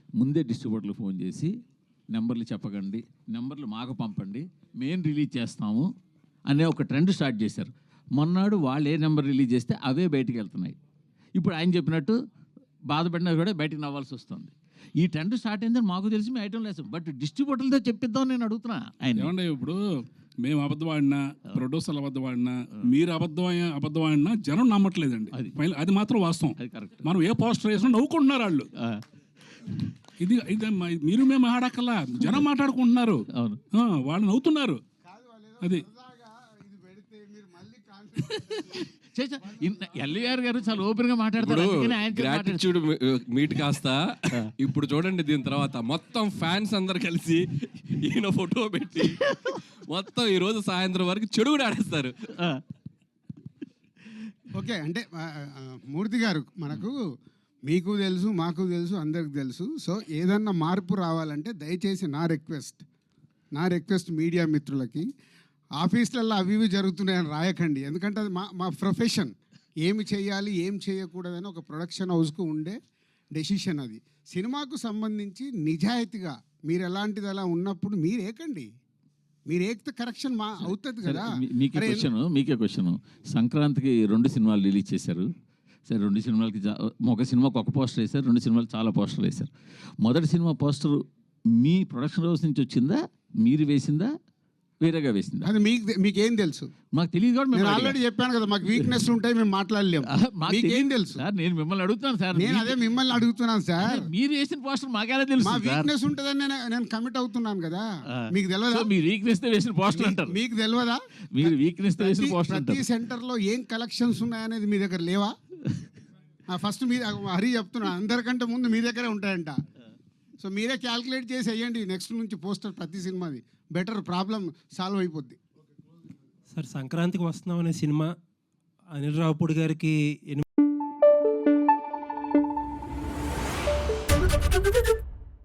ముందే డిస్ట్రిబ్యూటర్లు ఫోన్ చేసి నెంబర్లు చెప్పకండి, నెంబర్లు మాకు పంపండి, మేము రిలీజ్ చేస్తాము అనే ఒక ట్రెండ్ స్టార్ట్ చేశారు. మొన్నాడు వాళ్ళు ఏ నెంబర్ రిలీజ్ చేస్తే అవే బయటికి వెళ్తున్నాయి. ఇప్పుడు ఆయన చెప్పినట్టు బాధపడినా కూడా బయటికి నవ్వాల్సి వస్తుంది. ఈ ట్రెండ్ స్టార్ట్ అయిందని మాకు తెలిసి మేము ఐటమ్ లేదు, బట్ డిస్ట్రిబ్యూటర్లతో చెప్పిద్దాం నేను అడుగుతున్నా ఆయన. ఏమంటే ఇప్పుడు మేము అబద్ధం ఆడినా, ప్రొడ్యూసర్లు అబద్ధం ఆడినా, మీరు అబద్ధం ఆడినా జనం నమ్మట్లేదండి. అది మాత్రం వాస్తవం. మనం ఏ పోస్టర్ వేసినా నవ్వుకుంటున్నారు వాళ్ళు. ఇది మీరు మేము ఆడకల్లా జనం మాట్లాడుకుంటున్నారు, వాళ్ళు నవ్వుతున్నారు. అది ఎల్వీఆర్ గారు చాలా ఓపెన్ గా మాట్లాడతారు. గ్రాటిట్యూడ్ మీట్ కాస్త ఇప్పుడు చూడండి, దీని తర్వాత మొత్తం ఫ్యాన్స్ అందరు కలిసి ఈయన ఫోటో పెట్టి మొత్తం ఈ రోజు సాయంత్రం వరకు చెడు కూడా ఆడేస్తారు. ఓకే, అంటే మూర్తి గారు, మనకు మీకు తెలుసు, మాకు తెలుసు, అందరికి తెలుసు. సో ఏదన్నా మార్పు రావాలంటే దయచేసి నా రిక్వెస్ట్ మీడియా మిత్రులకి, ఆఫీసులలో అవి ఇవి జరుగుతున్నాయని రాయకండి. ఎందుకంటే అది మా ప్రొఫెషన్. ఏమి చేయాలి, ఏం చేయకూడదని ఒక ప్రొడక్షన్ హౌస్కు ఉండే డెసిషన్ అది. సినిమాకు సంబంధించి నిజాయితీగా మీరు ఎలాంటిది అలా ఉన్నప్పుడు మీరు ఏకండి, మీరు ఏకితే కరెక్షన్ అవుతుంది కదా. మీకే క్వశ్చన్, సంక్రాంతికి 2 సినిమాలు రిలీజ్ చేశారు. సరే, 2 సినిమాలకి ఒక సినిమాకి ఒక పోస్టర్ వేశారు, 2 సినిమాలు చాలా పోస్టర్లు వేశారు. మొదటి సినిమా పోస్టర్ మీ ప్రొడక్షన్ హౌస్ నుంచి వచ్చిందా, మీరు వేసిందా, వేరేగా వేసిందా? అది మీకేం తెలుసు? మాకు తెలియదు కూడా. నేను ఆల్రెడీ చెప్పాను కదా, మాకు వీక్నెస్ ఉంటాయి, మేము మాట్లాడలేము. మీకేం తెలుసు సార్? నేను మిమ్మల్ని అడుగుతున్నాను సార్. నేను అదే మిమ్మల్ని అడుగుతున్నాను సార్. మీరు వేసిన పోస్టర్ మాకేలా తెలుసు? మా వీక్నెస్ ఉంటుందని నేను కమిట్ అవుతున్నాను కదా. మీకు తెలియదా? మీరు వీక్నెస్ తో వేసిన పోస్టర్ అంటారు. మీకు తెలియదా? మీరు వీక్నెస్ తో వేసిన పోస్టర్ అంటారు. ప్రతి సెంటర్లో ఏం కలెక్షన్స్ ఉన్నాయనేది మీ దగ్గర లేవా? ఫస్ట్ మీ హరి చెప్తున్నా, అందరికంటే ముందు మీ దగ్గరే ఉంటాయంట. సో మీరే క్యాల్కులేట్ చేసి వేయండి నెక్స్ట్ నుంచి పోస్టర్ ప్రతి సినిమాది. బెటర్, ప్రాబ్లం సాల్వ్ అయిపోద్ది. సార్, సంక్రాంతికి వస్తున్నాం అనే సినిమా అనిల్ రావుపూడి గారికి